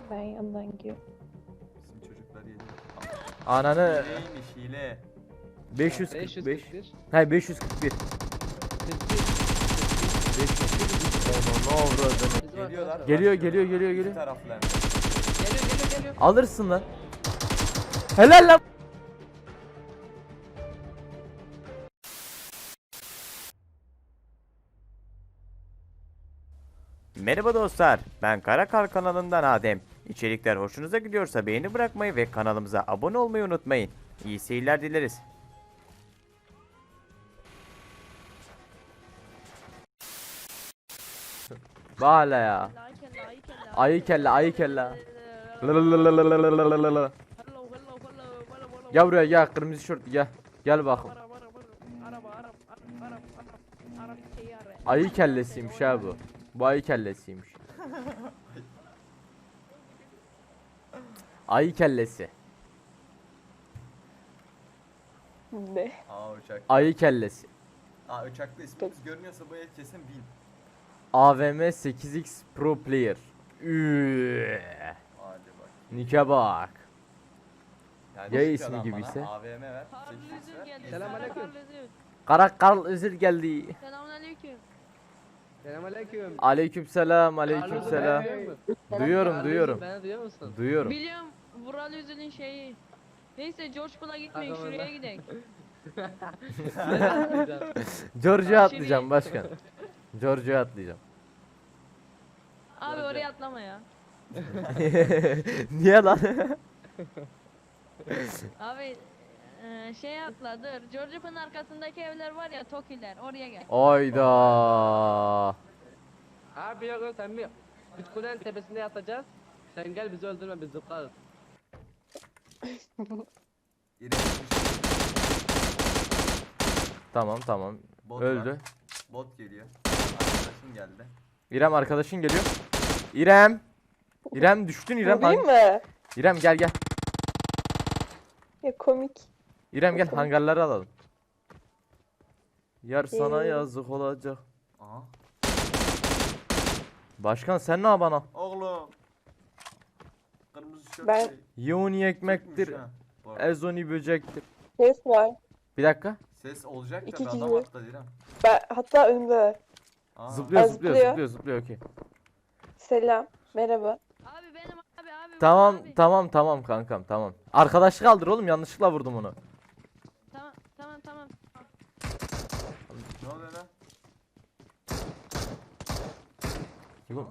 Ben yandan gidiyorum. Bizim çocuklar yedi. Ananı Hileymiş hile. 545. 541. Hayır 541. 541. Onu ne avradını. Geliyorlar. Geliyor başlıyorlar. geliyor geliyor İki geliyor. taraflı hem. Geliyor. Alırsın lan. Helal lan. Merhaba dostlar, ben Karakar kanalından Adem. İçerikler hoşunuza gidiyorsa beğeni bırakmayı ve kanalımıza abone olmayı unutmayın. İyi seyirler dileriz. Bağla ya. Ayı kelle, ayı kelle. Lalalalalalalalalala. Gel buraya gel, kırmızı şort gel. Gel bakayım. Ayı kellesiymiş ha bu. Bu ayı kellesiymiş. Ayı kellesi. Ne? Aa uçak. Ayı kellesi. Aa uçakta ismimiz görünüyorsa bu el kesin 1000. AVM 8X Pro Player. Hadi bak. Nike bak. Yani Ya şu ismi adam gibiyse? bana AVM ver. 8x ver. Selamünaleyküm. Karakal özür geldi. Selamünaleyküm. Selamünaleyküm. Aleykümselam, aleykümselam. Duyuyorum, duyuyorum. Beni duyuyor musun? Duyuyorum. Biliyorum Vural Üzül'ün şeyi. Neyse George Pool'a gitmeyin, Tamam, şuraya lan. gidelim. George'a atlayacağım başkan. George'a atlayacağım. Abi oraya atlama ya. Niye lan? Abi şeye atla dur. George Pool'un arkasındaki evler var ya, Tokiler, oraya gel. Ayda. Abi yok sen bir biz kulenin tepesinde yatacağız. Sen gel bizi öldürme biz zıplarız. İrem Tamam tamam. Bot Öldü. var. Bot geliyor. Arkadaşım geldi. İrem arkadaşın geliyor. İrem. İrem düştün İrem. Vurayım mı? İrem gel gel. Ya komik. İrem gel hangarları alalım. Yar sana Geliyorum. yazık olacak. Aha. Başkan sen ne yapana? Oğlum. Kırmızı şort Ben- şey. Yoni ekmektir. Türkmüş ha, bu arada. Ezoni böcektir. Ses var. Bir dakika. Ses olacak da İki bir adam kişi. atladı İrem. Ben, hatta önümde. Aa. Zıplıyor Aa, zıplıyor zıplıyor. zıplıyor zıplıyor okey. Selam. Merhaba. Abi benim abi. Tamam abi. tamam tamam kankam tamam. Arkadaşlık kaldır oğlum, yanlışlıkla vurdum onu. Tamam. Ne oluyor lan? Oğlum,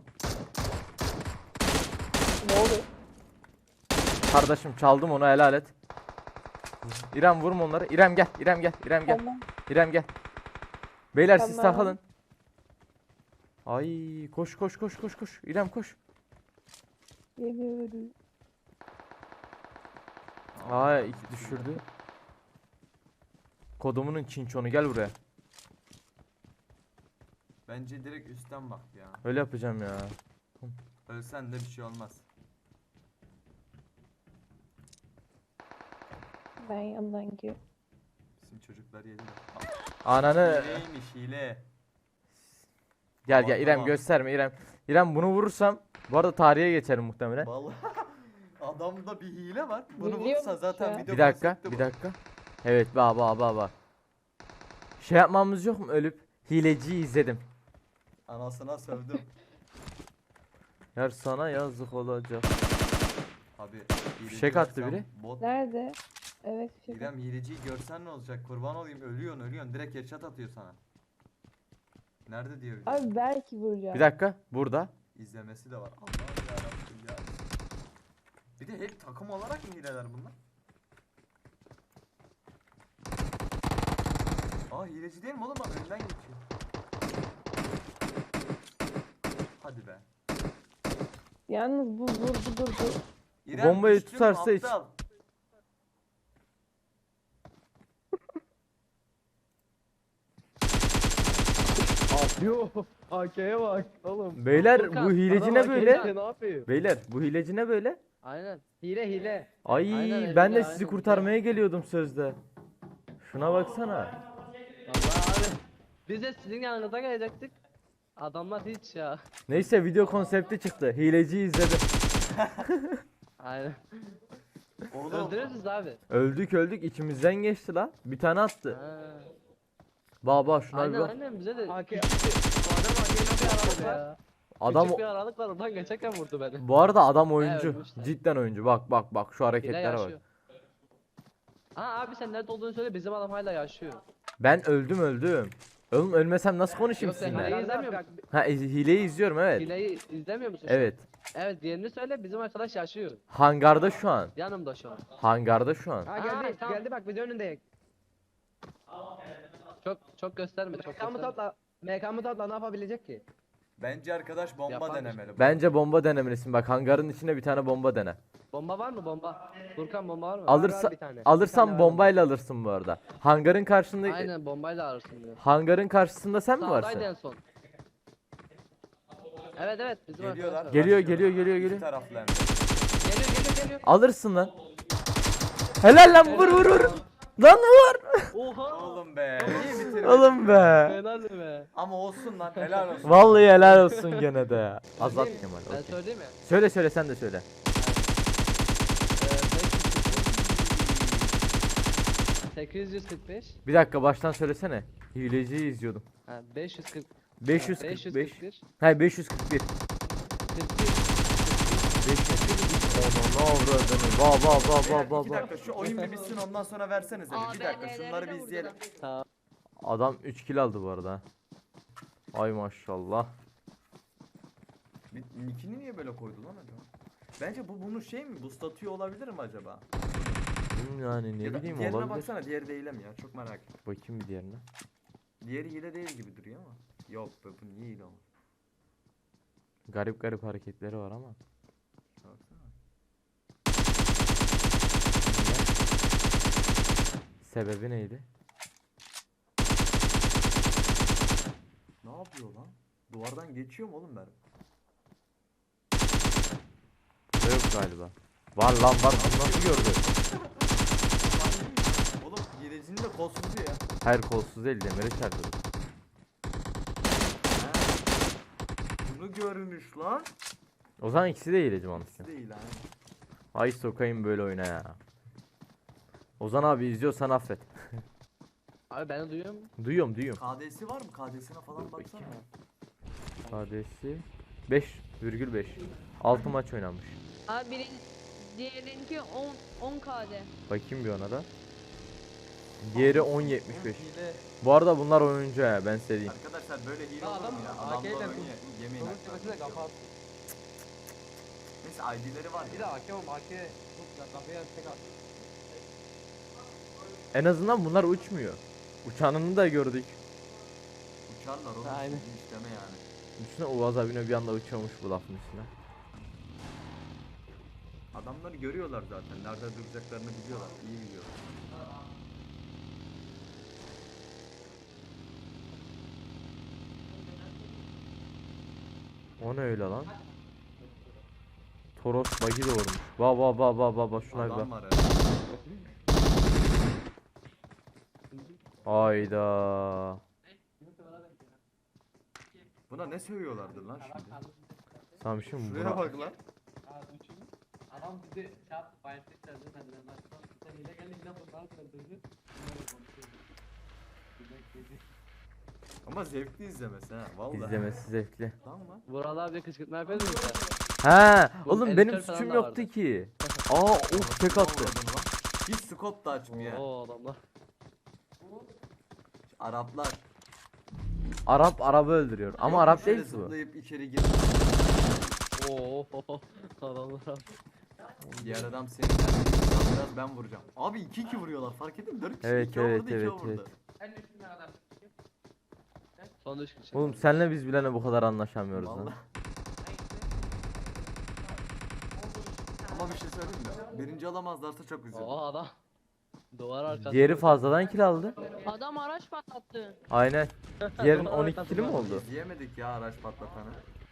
Ne oluyor? kardeşim çaldım onu, helal et. İrem vurma onları. İrem gel. İrem gel. İrem gel. Tamam. İrem gel. Beyler siz Tamam. takılın. Ay koş koş koş koş koş. İrem koş. Geliyorum. Ay iki düşürdü. Kodumunun çinçonu gel buraya. Bence direkt üstten bak ya. Öyle yapacağım ya. Ölsen de bir şey olmaz. Ben yandan gidiyorum. Bizim çocuklar yedi. Ananı Hileymiş hile. gel Tamam, gel İrem tamam. gösterme İrem. İrem bunu vurursam bu arada tarihe geçerim muhtemelen. Vallahi adamda bir hile var. Bunu Biliyor vurursan musun zaten ya? video Bir dakika, konsepti bir bu. dakika. Evet, baba. Şey yapmamız yok mu, ölüp hileciyi izledim. Anasına sövdüm. Yar sana yazık olacak. Abi Fişek attı görsem biri. Bot. Nerede? Evet. İrem hileciyi görsen ne olacak? Kurban olayım, ölüyorsun. Direkt headshot atıyor sana. Nerede diyor bir de. Abi belki vuracağım. Bir dakika, burada. İzlemesi de var. Allah'ım yarabbim ya. Bir de hep takım olarak mı hileler bunlar? Aa hileci değil mi oğlum, bak önden geçiyor. Hadi be. Yalnız bu durdu. İrem Bombayı düştün mü tutarsa hiç- aptal? Yo AK'ye bak oğlum. Beyler Furkan, bu hileci adam ne AK'ye böyle? Ne yapıyor? Beyler bu hileci ne böyle? Aynen. Hile. Ay Aynen, ben de hile, sizi aynen. kurtarmaya geliyordum sözde. Şuna baksana. Vallahi abi. Biz de sizin yanınıza gelecektik. Adamlar hiç ya. Neyse video konsepti çıktı. Hileci izledim. Aynen. Oğlum. Öldürürüz abi. Öldük içimizden geçti lan. Bir tane attı. Ha. Baba şuna bir Aynen bak. aynen bize de AK. küçük bir aralık var. Ya. Adam Küçük bir aralık var oradan geçerken vurdu beni. bu arada adam oyuncu. ölmüşler. Cidden oyuncu. Bak şu Bile hareketlere bak. yaşıyor. Aa abi sen nerede olduğunu söyle bizim adam hala yaşıyor. Ben öldüm. Oğlum ölmesem nasıl konuşayım Yok, sen sizinle? hileyi izlemiyor musun? Ha hileyi izliyorum evet. Hileyi izlemiyor musun? şu an? Evet. Evet diğerini söyle bizim arkadaş yaşıyor. Hangarda şu an. Yanımda şu an. Hangarda şu an. Ha geldi. tamam. Geldi bak video önünde. Çok gösterme çok MK'mı gösterme. tatla. MK'mı tatla ne yapabilecek ki? Bence arkadaş bomba Yaparmış. denemeli. Bence bomba denemelisin. Bak hangarın içine bir tane bomba dene. Bomba var mı bomba? Furkan bomba var mı? Alırsa bir tane. Bir alırsan tane var bombayla alırsın bu arada. Hangarın karşısında Aynen bombayla alırsın diyor. hangarın karşısında sen mi Sağdaydı varsın? en son. Evet bizim Geliyorlar. arkadaş var. Geliyor, Başlıyorlar. geliyor. İki taraflı hem de. Geliyor. Alırsın lan. Helal lan vur. Lan var. Oha. Oğlum be. Niye bitirmedin? Oğlum be. Helal be. Ama olsun lan helal olsun. Vallahi helal olsun gene de ya. Azat Kemal. Ben okey. söyleyeyim mi? Söyle sen de söyle. 845. Bir dakika baştan söylesene. Hileciyi izliyordum. Ha 540. 545. 541. Hayır 541. 41. 541. Onu ne avradını. Beyler, Ba. İki dakika şu oyun bir bitsin ondan sonra versenize. Bir dakika AVM'leri şunları de bir izleyelim. vurdular. Tamam. Adam 3 kill aldı bu arada. ha. Ay maşallah. Nick'ini niye böyle koydu lan acaba? Bence bu bunu şey mi? Boostlatıyor olabilir mi acaba? Yani ne Ya da bileyim diğerine olabilir. baksana diğeri değil mi ya? Çok merak ettim. Bakayım bir diğerine. Diğeri hile değil gibi duruyor ama. Yok be bu niye hile olur? Garip hareketleri var ama. Baksana. Sebebi neydi? Ne yapıyor lan? Duvardan geçiyor mu oğlum ben? Burada yok galiba. Var lan var. Bunu nasıl gördü? Oğlum hilecinin de kolsuzu ya. Hayır kolsuz değil demiri çarptı. Bunu görmüş lan. O zaman ikisi de hileci mantıken. Değil ha. Ay sokayım böyle oyuna ya. Ozan abi izliyorsan affet. Abi beni duyuyor musun? Duyuyorum. KD'si var mı? KD'sine falan baksana. KD'si 5,5. 6 maç oynanmış. Abi diğerinki 10 KD. Bakayım bir ona da. Diğeri 10.75. Bu arada bunlar oyuncu ya ben size diyeyim. Arkadaşlar böyle hile Ya olur adam mu ya? AK Adamlar ile oynuyor. Yemin Sonuç ederim. tepesine kafa attı. Neyse ID'leri var Bir ya. de AK oğlum AK. Kafaya tek attı. En azından bunlar uçmuyor. Uçanını da gördük. Uçarlar oğlum. Aynen. Hiç deme yani. Düşünsene Uaz abine bir anda uçuyormuş bu lafın üstüne. Adamları görüyorlar zaten. Nerede duracaklarını biliyorlar. İyi biliyorlar. O ne öyle lan? Toros bagi doğurmuş. Ba şuna bir Adam bak. var ya. Hayda. Buna ne sövüyorlardır lan şimdi? Samşım Şuraya buna. bak lan. Adam bizi şey yaptı, bayatlık derdi, ben de sen hile geldi yine bunlar öldürdü. Ama zevkli izlemesi ha. Vallahi. İzlemesi zevkli. Tamam lan. Vural abi kışkırtma yapıyordun sen. Ha, Bu oğlum editör benim falan suçum da yoktu vardı. ki. Aa, tek attı. Hiç scope da açmıyor. Oo adamlar. Araplar. Arabı öldürüyor. Ama Arap Şöyle değil ki bu. Zıplayıp içeri gir. Oo adamlar abi. Diğer adam seni biraz ben vuracağım. Abi 2-2 vuruyorlar fark ettin mi? 4 kişi Evet, 2 vurdu, evet, 2 evet, vurdu. Son 3 kişi. Oğlum senle biz bilene bu kadar anlaşamıyoruz lan. Vallahi. Ama bir şey söyleyeyim mi? Birinci alamazlarsa çok üzülürüm. Oo adam. Duvar arkası. Diğeri fazladan kill aldı. Adam araç patlattı. Aynen. Diğerin 12 kill'i mi oldu? İzleyemedik ya araç patlatanı.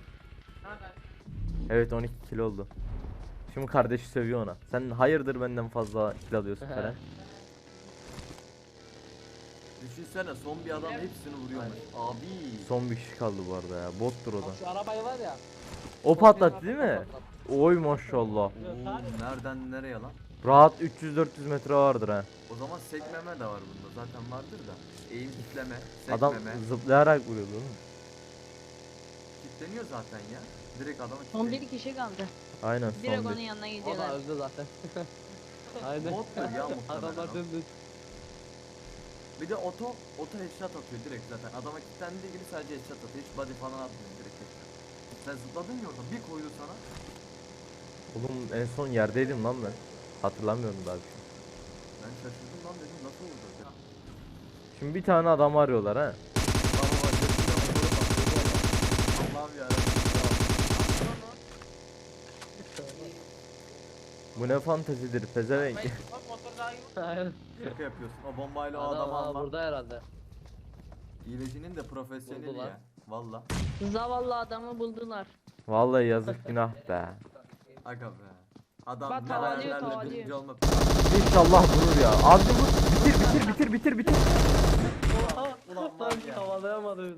Evet 12 kill oldu. Şimdi kardeşi sövüyor ona. Sen hayırdır benden fazla kill alıyorsun falan. Düşünsene son bir adam hepsini vuruyormuş. Abi. Son bir kişi kaldı bu arada ya. Bottur o da. Bak şu arabayı var ya. O patlattı değil mi? Oy maşallah. Oo, nereden nereye lan? Rahat 300-400 metre vardır ha. O zaman sekmeme de var bunda. Zaten vardır da. Eğim kitleme, Adam sekmeme. zıplayarak vuruyordu değil mi? Kitleniyor zaten ya. Direkt adamı Son kitleniyor. bir kişi kaldı. Aynen Direkt son onun bir. yanına O da gidiyorlar. öldü zaten. Aynen. Bottur ya muhtemelen Adamlar o. dümdüz. Bir de oto headshot atıyor direkt zaten. Adama kilitlendiği gibi sadece headshot atıyor. Hiç body falan atmıyor direkt headshot. Sen zıpladın ya orada bir koydu sana. Oğlum en son yerdeydim lan ben. Hatırlamıyorum daha bir şey. Ben şaşırdım lan dedim nasıl oldu dedim. Şimdi bir tane adam arıyorlar ha. Allah'ım yarabbim. Bu ne fantezidir pezevenk. Aynen. Şaka yapıyorsun. O bombayla o Adam adamı aa, alma. burada herhalde. İyilecinin de profesyoneli Vurdular. ya. Valla. Zavallı adamı buldular. Vallahi yazık günah be. Aga be. Adam Bak, ne tavalıyor, hayallerle tavalıyor. birinci olmak. İnşallah vurur ya. Abi vur. Bitir. Ulan var ya. Havalayamadı.